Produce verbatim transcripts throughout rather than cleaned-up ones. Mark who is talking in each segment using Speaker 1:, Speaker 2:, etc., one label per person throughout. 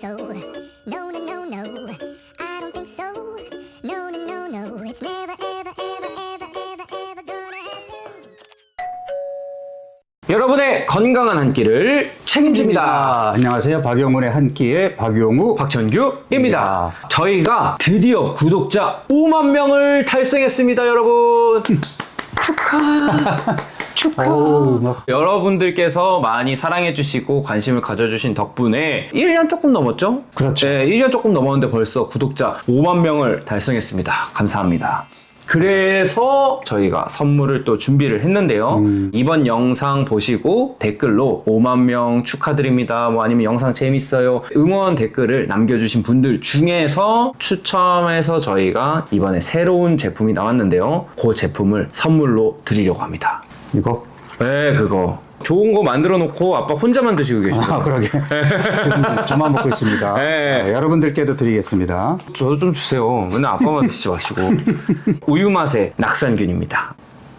Speaker 1: so. No, no, no, no. I don't think so. No, no, no, no. It's never, ever, ever, ever, ever, ever gonna happen.
Speaker 2: 여러분의 건강한 한 끼를 책임집니다.
Speaker 3: 아, 안녕하세요. 박용훈의 한 끼의 박용우
Speaker 2: 박천규입니다. 저희가 드디어 구독자 오만 명을 달성했습니다, 여러분. 축하. 축하.
Speaker 3: 어우, 막.
Speaker 2: 여러분들께서 많이 사랑해주시고 관심을 가져주신 덕분에 일 년 조금 넘었죠?
Speaker 3: 그렇죠.
Speaker 2: 네, 일 년 조금 넘었는데 벌써 구독자 오만 명을 달성했습니다. 감사합니다. 그래서 저희가 선물을 또 준비를 했는데요.
Speaker 3: 음.
Speaker 2: 이번 영상 보시고 댓글로 오만 명 축하드립니다. 뭐 아니면 영상 재밌어요. 응원 댓글을 남겨주신 분들 중에서 추첨해서 저희가 이번에 새로운 제품이 나왔는데요. 그 제품을 선물로 드리려고 합니다.
Speaker 3: 이거?
Speaker 2: 네, 그거. 좋은 거 만들어 놓고 아빠 혼자만 드시고 계시죠?
Speaker 3: 아, 그러게. 지금 저만 먹고 있습니다.
Speaker 2: 네.
Speaker 3: 네, 여러분들께도 드리겠습니다.
Speaker 2: 저도 좀 주세요. 맨날 아빠만 드시지 마시고. 우유 맛의 낙산균입니다.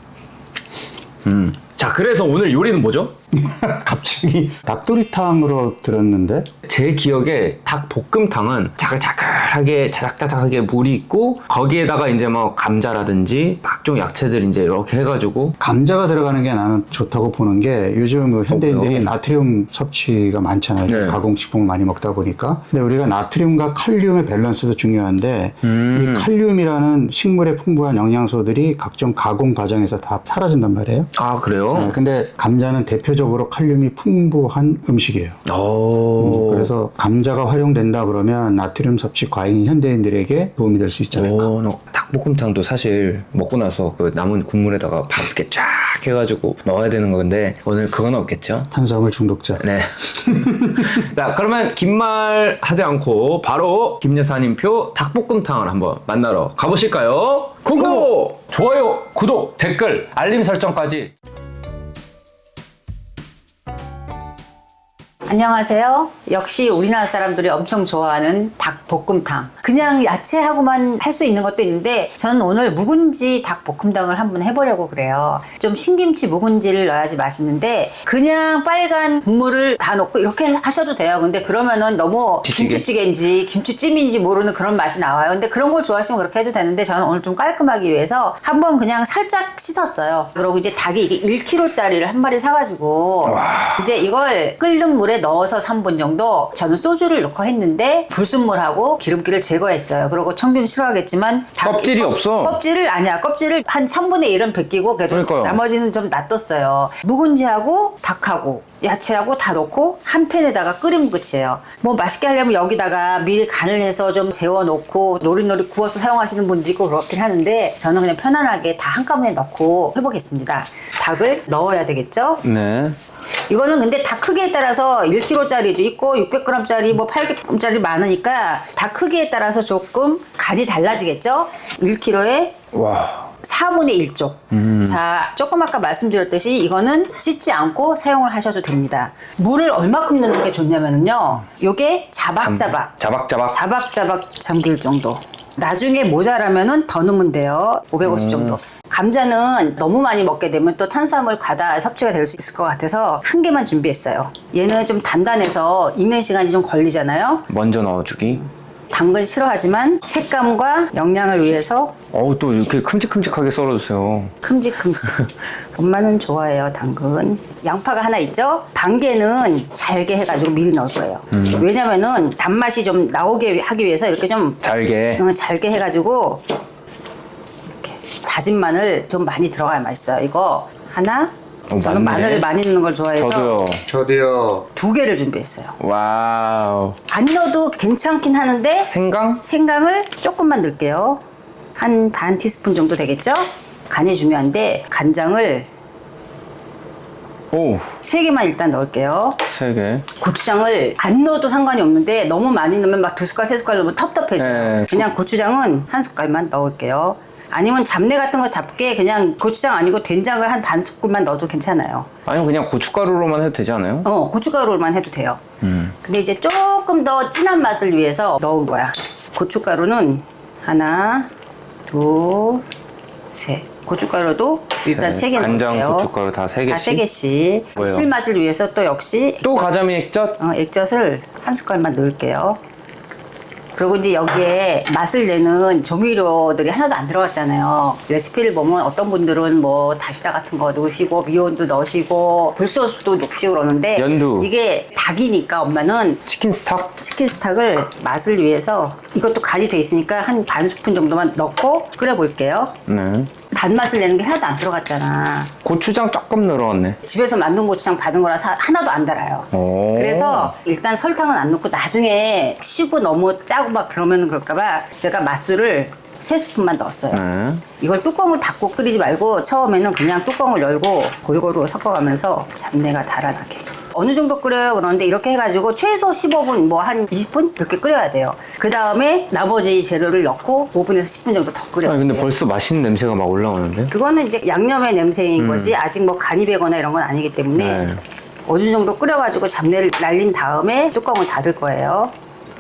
Speaker 2: 음. 자, 그래서 오늘 요리는 뭐죠?
Speaker 3: 갑자기 닭도리탕으로 들었는데
Speaker 2: 제 기억에 닭볶음탕은 자글자글하게 자작자작하게 물이 있고 거기에다가 이제 뭐 감자라든지 각종 야채들 이제 이렇게 해가지고
Speaker 3: 감자가 들어가는 게 나는 좋다고 보는 게 요즘 그 현대인들이
Speaker 2: 왜요?
Speaker 3: 나트륨 섭취가 많잖아요.
Speaker 2: 네.
Speaker 3: 가공식품을 많이 먹다 보니까. 근데 우리가 나트륨과 칼륨의 밸런스도 중요한데
Speaker 2: 음.
Speaker 3: 이 칼륨이라는 식물에 풍부한 영양소들이 각종 가공 과정에서 다 사라진단 말이에요.
Speaker 2: 아, 그래요?
Speaker 3: 네, 근데 감자는 대표적으로 칼륨이 풍부한 음식이에요.
Speaker 2: 오.
Speaker 3: 음, 그래서 감자가 활용된다 그러면 나트륨 섭취 과잉 현대인들에게 도움이 될 수 있지 않을까.
Speaker 2: 오, 너 닭볶음탕도 사실 먹고 나서 그 남은 국물에다가 밥 이렇게 쫙 해가지고 먹어야 되는 건데 오늘 그건 없겠죠?
Speaker 3: 탄수화물 중독자.
Speaker 2: 네. 자, 그러면 긴 말 하지 않고 바로 김 여사님표 닭볶음탕을 한번 만나러 가보실까요? 구독! 좋아요, 구독, 댓글, 알림 설정까지.
Speaker 4: 안녕하세요. 역시 우리나라 사람들이 엄청 좋아하는 닭볶음탕. 그냥 야채하고만 할 수 있는 것도 있는데 저는 오늘 묵은지 닭볶음탕을 한번 해보려고 그래요. 좀 신김치 묵은지를 넣어야지 맛있는데 그냥 빨간 국물을 다 넣고 이렇게 하셔도 돼요. 근데 그러면은 너무
Speaker 2: 지치게?
Speaker 4: 김치찌개인지 김치찜인지 모르는 그런 맛이 나와요. 근데 그런 걸 좋아하시면 그렇게 해도 되는데 저는 오늘 좀 깔끔하기 위해서 한번 그냥 살짝 씻었어요. 그리고 이제 닭이 이게 일 킬로그램짜리를 한 마리 사가지고 이제 이걸 끓는 물에 넣어서 삼 분 정도 저는 소주를 넣고 했는데 불순물하고 기름기를 제거했어요. 그리고 청균 싫어하겠지만 닭-
Speaker 2: 껍질이
Speaker 4: 껍-
Speaker 2: 없어.
Speaker 4: 껍질을 아니야. 껍질을 한 삼분의 일은 벗기고 그래도
Speaker 2: 그러니까요.
Speaker 4: 나머지는 좀 놔뒀어요. 묵은지하고 닭하고 야채하고 다 넣고 한 팬에다가 끓이면 끝이에요. 뭐 맛있게 하려면 여기다가 미리 간을 해서 좀 재워놓고 노릇노릇 구워서 사용하시는 분도 있고 그렇긴 하는데 저는 그냥 편안하게 다 한꺼번에 넣고 해보겠습니다. 닭을 넣어야 되겠죠?
Speaker 2: 네.
Speaker 4: 이거는 근데 닭 크기에 따라서 일 킬로그램짜리도 있고 육백 그램짜리 뭐 팔백 그램짜리 많으니까 닭 크기에 따라서 조금 간이 달라지겠죠? 일 킬로그램에
Speaker 2: 와.
Speaker 4: 사분의 일 쪽.
Speaker 2: 음.
Speaker 4: 자, 조금 아까 말씀드렸듯이 이거는 씻지 않고 사용을 하셔도 됩니다. 물을 얼마큼 넣는 게 좋냐면요. 요게 자박자박.
Speaker 2: 자박자박.
Speaker 4: 자박자박 잠길 정도. 나중에 모자라면은 더 넣으면 돼요. 오백오십
Speaker 2: 음.
Speaker 4: 정도. 감자는 너무 많이 먹게 되면 또 탄수화물 과다 섭취가 될 수 있을 것 같아서 한 개만 준비했어요. 얘는 좀 단단해서 익는 시간이 좀 걸리잖아요.
Speaker 2: 먼저 넣어주기.
Speaker 4: 당근 싫어하지만 색감과 영양을 위해서
Speaker 2: 어우, 또 이렇게 큼직큼직하게 썰어주세요.
Speaker 4: 큼직큼직. 엄마는 좋아해요, 당근. 양파가 하나 있죠? 반 개는 잘게 해가지고 미리 넣을 거예요.
Speaker 2: 음.
Speaker 4: 왜냐면은 단맛이 좀 나오게 하기 위해서 이렇게 좀
Speaker 2: 잘게.
Speaker 4: 어, 잘게 해가지고 이렇게 다진 마늘 좀 많이 들어가야 맛있어요. 이거 하나.
Speaker 2: 어,
Speaker 4: 저는
Speaker 2: 맞네.
Speaker 4: 마늘을 많이 넣는 걸 좋아해서
Speaker 2: 저도요.
Speaker 3: 저도요.
Speaker 4: 두 개를 준비했어요.
Speaker 2: 와우.
Speaker 4: 안 넣어도 괜찮긴 하는데
Speaker 2: 생강?
Speaker 4: 생강을 조금만 넣을게요. 한 반 티스푼 정도 되겠죠? 간이 중요한데 간장을
Speaker 2: 오,
Speaker 4: 세 개만 일단 넣을게요.
Speaker 2: 세 개.
Speaker 4: 고추장을 안 넣어도 상관이 없는데 너무 많이 넣으면 막 두 숟갈, 세 숟갈 넣으면 텁텁해져요.
Speaker 2: 네.
Speaker 4: 그냥 고추장은 한 숟갈만 넣을게요. 아니면 잡내 같은 거 잡게 그냥 고추장 아니고 된장을 한 반 스푼만 넣어도 괜찮아요.
Speaker 2: 아니면 그냥 고춧가루로만 해도 되지 않아요?
Speaker 4: 어, 고춧가루만 해도 돼요.
Speaker 2: 음.
Speaker 4: 근데 이제 조금 더 진한 맛을 위해서 넣은 거야. 고춧가루는 하나, 둘, 셋. 고춧가루도 일단 세 개 넣을게요.
Speaker 2: 간장, 고춧가루 다 세 개씩?
Speaker 4: 다 세 개씩.
Speaker 2: 뭐예요?
Speaker 4: 감칠맛을 위해서 또 역시
Speaker 2: 또 가자미 액젓?
Speaker 4: 어, 액젓을 한 숟갈만 넣을게요. 그리고 이제 여기에 맛을 내는 조미료들이 하나도 안 들어갔잖아요. 레시피를 보면 어떤 분들은 뭐 다시다 같은 거 넣으시고 미온도 넣으시고 굴소스도 넣으시고 그러는데
Speaker 2: 연두.
Speaker 4: 이게 닭이니까 엄마는
Speaker 2: 치킨 스탁?
Speaker 4: 치킨 스탁을 맛을 위해서 이것도 간이 돼 있으니까 한 반 스푼 정도만 넣고 끓여볼게요.
Speaker 2: 네.
Speaker 4: 단맛을 내는 게 하나도 안 들어갔잖아.
Speaker 2: 고추장 조금 늘어났네.
Speaker 4: 집에서 만든 고추장 받은 거라서 하나도 안 달아요.
Speaker 2: 오.
Speaker 4: 그래서 일단 설탕은 안 넣고 나중에 시고 너무 짜고 막 그러면 그럴까봐 제가 맛술을 세 스푼만 넣었어요.
Speaker 2: 네.
Speaker 4: 이걸 뚜껑을 닫고 끓이지 말고 처음에는 그냥 뚜껑을 열고 골고루 섞어가면서 잡내가 달아나게. 어느 정도 끓여요? 그러는데 이렇게 해가지고 최소 십오 분, 뭐 한 이십 분 이렇게 끓여야 돼요. 그 다음에 나머지 재료를 넣고 오 분에서 십 분 정도 더 끓여야
Speaker 2: 아니
Speaker 4: 돼요.
Speaker 2: 근데 벌써 맛있는 냄새가 막 올라오는데?
Speaker 4: 그거는 이제 양념의 냄새인 것이 아직 뭐 간이 배거나 이런 건 아니기 때문에
Speaker 2: 네.
Speaker 4: 어느 정도 끓여가지고 잡내를 날린 다음에 뚜껑을 닫을 거예요.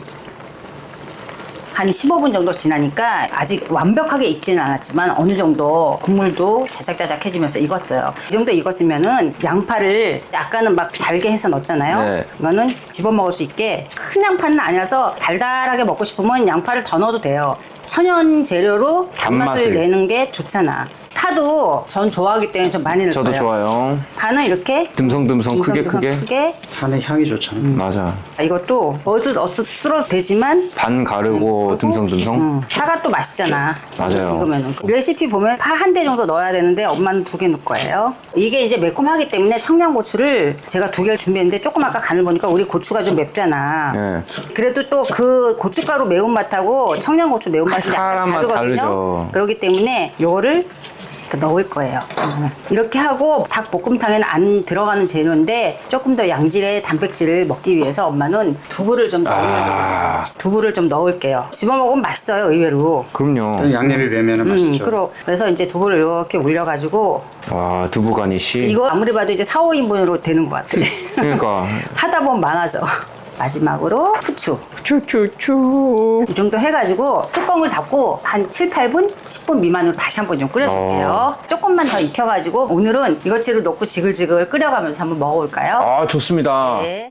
Speaker 4: 한 십오 분 정도 지나니까 아직 완벽하게 익지는 않았지만 어느 정도 국물도 자작자작해지면서 익었어요. 이 정도 익었으면은 양파를 아까는 막 잘게 해서 넣었잖아요.
Speaker 2: 네.
Speaker 4: 이거는 집어먹을 수 있게 큰 양파는 아니라서 달달하게 먹고 싶으면 양파를 더 넣어도 돼요. 천연 재료로 단맛을
Speaker 2: 단맛을.
Speaker 4: 내는 게 좋잖아. 파도 전 좋아하기 때문에 좀 많이 넣을
Speaker 2: 저도
Speaker 4: 거예요.
Speaker 2: 좋아요.
Speaker 4: 파는 이렇게
Speaker 2: 듬성듬성 크게
Speaker 4: 듬성듬성
Speaker 2: 크게.
Speaker 4: 크게.
Speaker 3: 파는 향이 좋잖아.
Speaker 2: 맞아.
Speaker 4: 이것도 어슷 어슷 쓸어도 되지만
Speaker 2: 반 가르고 듬성듬성.
Speaker 4: 음, 파가 또 맛있잖아.
Speaker 2: 맞아요.
Speaker 4: 이거면은 레시피 보면 파 한 대 정도 넣어야 되는데 엄마는 두 개 넣을 거예요. 이게 이제 매콤하기 때문에 청양고추를 제가 두 개를 준비했는데 조금 아까 간을 보니까 우리 고추가 좀 맵잖아.
Speaker 2: 네.
Speaker 4: 그래도 또 그 고춧가루 매운맛하고 청양고추 매운맛이 약간
Speaker 2: 칼칼한 맛
Speaker 4: 다르거든요.
Speaker 2: 다르죠.
Speaker 4: 그렇기 때문에 요거를 이렇게 넣을 거예요. 이렇게 하고 닭볶음탕에는 안 들어가는 재료인데 조금 더 양질의 단백질을 먹기 위해서 엄마는 두부를 좀 넣으면
Speaker 2: 아.
Speaker 4: 두부를 좀 넣을게요. 집어먹으면 맛있어요, 의외로.
Speaker 2: 그럼요.
Speaker 3: 양념이 배면은
Speaker 4: 음,
Speaker 3: 맛있죠.
Speaker 4: 그러, 그래서 이제 두부를 이렇게 올려가지고
Speaker 2: 와 두부 가니쉬.
Speaker 4: 이거 아무리 봐도 이제 사, 오 인분으로 되는 것 같아.
Speaker 2: 그러니까.
Speaker 4: 하다 보면 많아져. 마지막으로 후추.
Speaker 2: 추추추.
Speaker 4: 이 정도 해가지고 뚜껑을 닫고 한 칠, 팔 분, 십 분 미만으로 다시 한 번 좀 끓여줄게요. 조금만 더 익혀가지고 오늘은 이것저것 넣고 지글지글 끓여가면서 한번 먹어볼까요?
Speaker 2: 아 좋습니다.
Speaker 4: 네.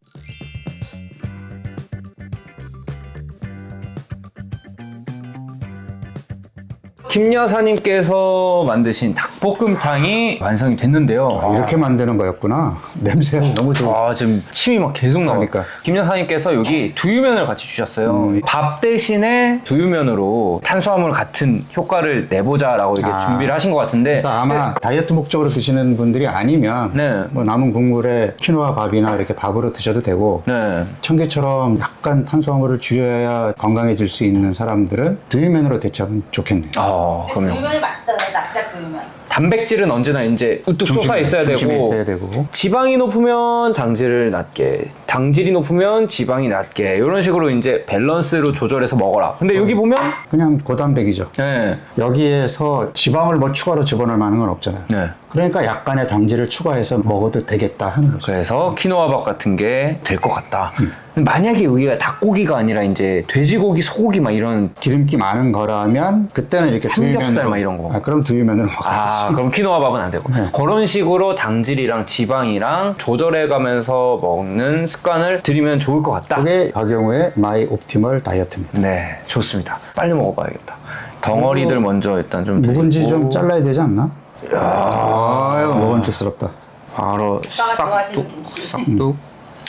Speaker 2: 김 여사님께서 만드신 닭볶음탕이 완성이 됐는데요.
Speaker 3: 아, 이렇게 만드는 거였구나. 냄새가 너무 좋아.
Speaker 2: 아 지금 침이 막 계속 나와.
Speaker 3: 그러니까.
Speaker 2: 김 여사님께서 여기 두유면을 같이 주셨어요.
Speaker 3: 음.
Speaker 2: 밥 대신에 두유면으로 탄수화물 같은 효과를 내보자라고 이렇게
Speaker 3: 아.
Speaker 2: 준비를 하신 것 같은데.
Speaker 3: 그러니까 아마 다이어트 목적으로 드시는 분들이 아니면
Speaker 2: 네.
Speaker 3: 뭐 남은 국물에 키노아 밥이나 이렇게 밥으로 드셔도 되고
Speaker 2: 네.
Speaker 3: 청개처럼 약간 탄수화물을 줄여야 건강해질 수 있는 사람들은 두유면으로 대체하면 좋겠네요.
Speaker 2: 아 그럼요.
Speaker 4: 두유면이 맛있어요. 납작 두유면.
Speaker 2: 단백질은 언제나 이제 우뚝
Speaker 3: 중심-
Speaker 2: 솟아 있어야
Speaker 3: 중심에
Speaker 2: 되고,
Speaker 3: 있어야 되고.
Speaker 2: 지방이 높으면 당질을 낮게, 당질이 높으면 지방이 낮게 이런 식으로 이제 밸런스로 조절해서 먹어라. 근데 여기 보면
Speaker 3: 그냥 고단백이죠.
Speaker 2: 네.
Speaker 3: 여기에서 지방을 뭐 추가로 집어넣을 만한 건 없잖아요.
Speaker 2: 네.
Speaker 3: 그러니까 약간의 당질을 추가해서 먹어도 되겠다 하는 거죠.
Speaker 2: 그래서 키노아밥 같은 게 될 것 같다.
Speaker 3: 음.
Speaker 2: 만약에 여기가 닭고기가 아니라 이제 돼지고기, 소고기 막 이런
Speaker 3: 기름기 많은 거라면 그때는 이렇게
Speaker 2: 삼겹살
Speaker 3: 두유면으로
Speaker 2: 막 이런 거.
Speaker 3: 아, 그럼 두유면으로
Speaker 2: 아
Speaker 3: 먹어야지.
Speaker 2: 그럼 키노아밥은 안 되고
Speaker 3: 네.
Speaker 2: 그런 식으로 당질이랑 지방이랑 조절해가면서 먹는 습관을 들이면 좋을 것 같다.
Speaker 3: 그게 박영우의 마이 옵티멀 다이어트입니다.
Speaker 2: 네 좋습니다. 빨리 먹어봐야겠다. 덩어리들 먼저 일단 좀
Speaker 3: 묵은지
Speaker 2: 드리고.
Speaker 3: 좀 잘라야 되지 않나? 아유, 먹음직스럽다.
Speaker 2: 바로
Speaker 4: 오빠가 좋아하시는
Speaker 2: 싹둑
Speaker 4: 김치.
Speaker 2: 싹둑.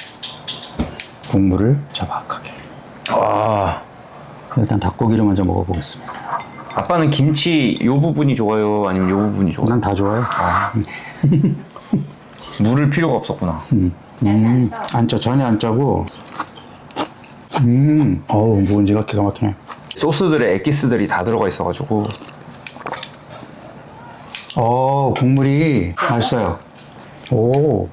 Speaker 3: 국물을 자박하게.
Speaker 2: 아
Speaker 3: 일단 닭고기를 먼저 먹어보겠습니다.
Speaker 2: 아빠는 김치 요 부분이 좋아요? 아니면 요 부분이 좋아요?
Speaker 3: 난 다 좋아요.
Speaker 2: 물을 필요가 없었구나.
Speaker 3: 음, 음, 안 짜, 전혀 안 짜고. 음, 어우, 묵은지가 기가 막히네.
Speaker 2: 소스들의 에기스들이 다 들어가 있어가지고.
Speaker 3: 어, 국물이 맛있어요. 오,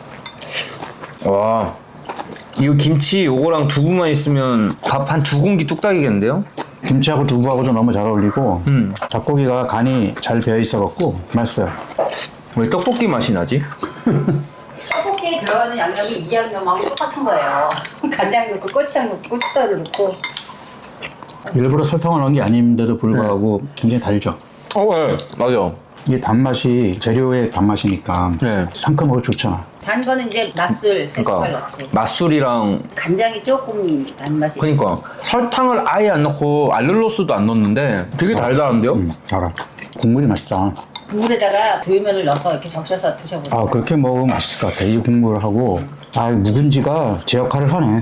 Speaker 2: 와 이거 김치 요거랑 두부만 있으면 밥 한 두 공기 뚝딱이겠는데요?
Speaker 3: 김치하고 두부하고도 너무 잘 어울리고,
Speaker 2: 음.
Speaker 3: 닭고기가 간이 잘 배어 있어갖고 맛있어요.
Speaker 2: 왜 떡볶이 맛이 나지?
Speaker 4: 떡볶이에 들어가는 양념이 이 양념하고 똑같은 거예요. 간장 넣고 고추장 넣고 고춧가루 넣고.
Speaker 3: 일부러 설탕을 넣은 게 아닌데도 불구하고 굉장히 달죠.
Speaker 2: 어, 네. 맞아.
Speaker 3: 이게 단맛이 재료의 단맛이니까
Speaker 2: 네.
Speaker 3: 상큼하고 좋잖아.
Speaker 4: 단 거는 이제 맛술 세 숟갈
Speaker 2: 그러니까
Speaker 4: 넣지.
Speaker 2: 맛술이랑
Speaker 4: 간장이 조금 단맛이.
Speaker 2: 그러니까 설탕을 아예 안 넣고 알룰로스도 안 넣었는데 되게 달달한데요?
Speaker 3: 음, 알아. 국물이 맛있다.
Speaker 4: 국물에다가 두유면을 넣어서 이렇게 적셔서 드셔보세요.
Speaker 3: 아, 그렇게 먹으면 맛있을 것 같아. 이 국물하고. 아, 묵은지가 제 역할을 하네.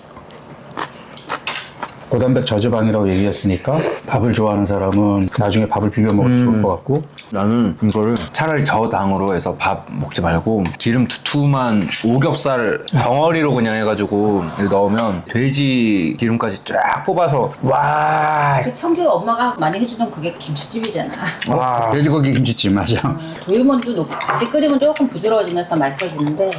Speaker 3: 고단백 저지방이라고 얘기했으니까 밥을 좋아하는 사람은 나중에 밥을 비벼 먹어도
Speaker 2: 음.
Speaker 3: 좋을 것 같고.
Speaker 2: 나는 이거를 차라리 저당으로 해서 밥 먹지 말고 기름 두툼한 오겹살 덩어리로 그냥 해가지고 이거 넣으면 돼지 기름까지 쫙 뽑아서 와,
Speaker 4: 그 청주 엄마가 많이 해주던 그게 김치찜이잖아.
Speaker 2: 와.
Speaker 3: 돼지고기 김치찜 맞아.
Speaker 4: 두유면도 넣고 같이 끓이면 조금 부드러워지면서 맛있어지는데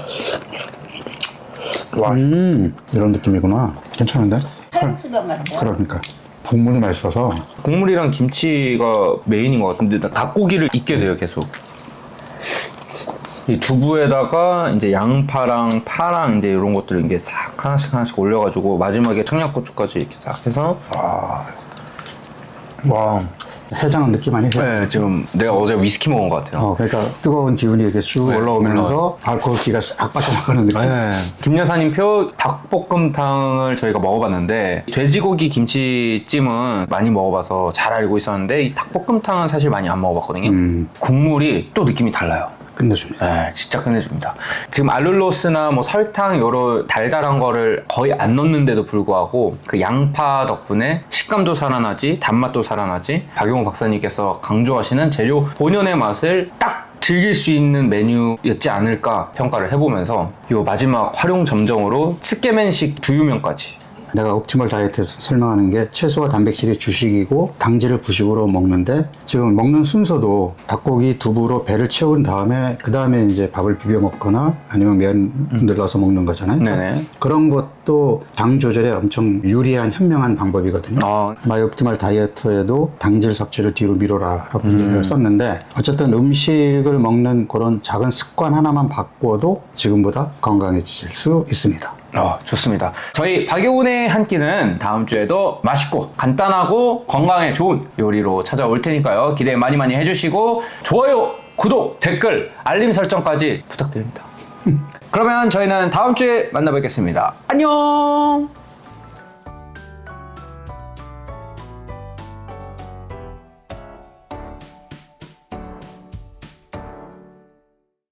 Speaker 2: 와.
Speaker 3: 음, 이런 느낌이구나. 괜찮은데?
Speaker 4: 칼국수병 말이야.
Speaker 3: 그러니까. 국물이 맛있어서.
Speaker 2: 국물이랑 김치가 메인인 것 같은데 나 닭고기를 익게 돼요 계속. 이 두부에다가 이제 양파랑 파랑 이제 이런 것들을 이게 싹 하나씩 하나씩 올려가지고 마지막에 청양고추까지 이렇게 싹 해서 와, 와.
Speaker 3: 해장한 느낌 아니에요?
Speaker 2: 네, 지금 내가 어제 위스키 먹은 것 같아요.
Speaker 3: 어, 그러니까 뜨거운 기운이 이렇게 쭉
Speaker 2: 네,
Speaker 3: 올라오면서 알코올기가 싹 빠져나가는 느낌.
Speaker 2: 네. 김 여사님 표 닭볶음탕을 저희가 먹어봤는데 돼지고기 김치찜은 많이 먹어봐서 잘 알고 있었는데 이 닭볶음탕은 사실 많이 안 먹어봤거든요.
Speaker 3: 음.
Speaker 2: 국물이 또 느낌이 달라요.
Speaker 3: 끝내줍니다.
Speaker 2: 네, 진짜 끝내줍니다. 지금 알룰로스나 뭐 설탕 요런 달달한 거를 거의 안 넣는데도 불구하고 그 양파 덕분에 식감도 살아나지 단맛도 살아나지 박용호 박사님께서 강조하시는 재료 본연의 맛을 딱 즐길 수 있는 메뉴였지 않을까 평가를 해보면서 요 마지막 활용 점정으로 츠케멘식 두유면까지
Speaker 3: 내가 옵티멀 다이어트에서 설명하는 게 채소와 단백질이 주식이고 당질을 부식으로 먹는데 지금 먹는 순서도 닭고기 두부로 배를 채운 다음에 그 다음에 이제 밥을 비벼 먹거나 아니면 면 늘러서 먹는 거잖아요.
Speaker 2: 네네.
Speaker 3: 그런 것도 당 조절에 엄청 유리한 현명한 방법이거든요.
Speaker 2: 아.
Speaker 3: 마이 옵티멀 다이어트에도 당질 섭취를 뒤로 미뤄라 라고 음. 썼는데 어쨌든 음식을 먹는 그런 작은 습관 하나만 바꾸어도 지금보다 건강해지실 수 있습니다.
Speaker 2: 어, 좋습니다. 저희 박용훈의 한 끼는 다음 주에도 맛있고 간단하고 건강에 좋은 요리로 찾아올 테니까요. 기대 많이 많이 해주시고 좋아요, 구독, 댓글, 알림 설정까지 부탁드립니다. 그러면 저희는 다음 주에 만나 뵙겠습니다. 안녕!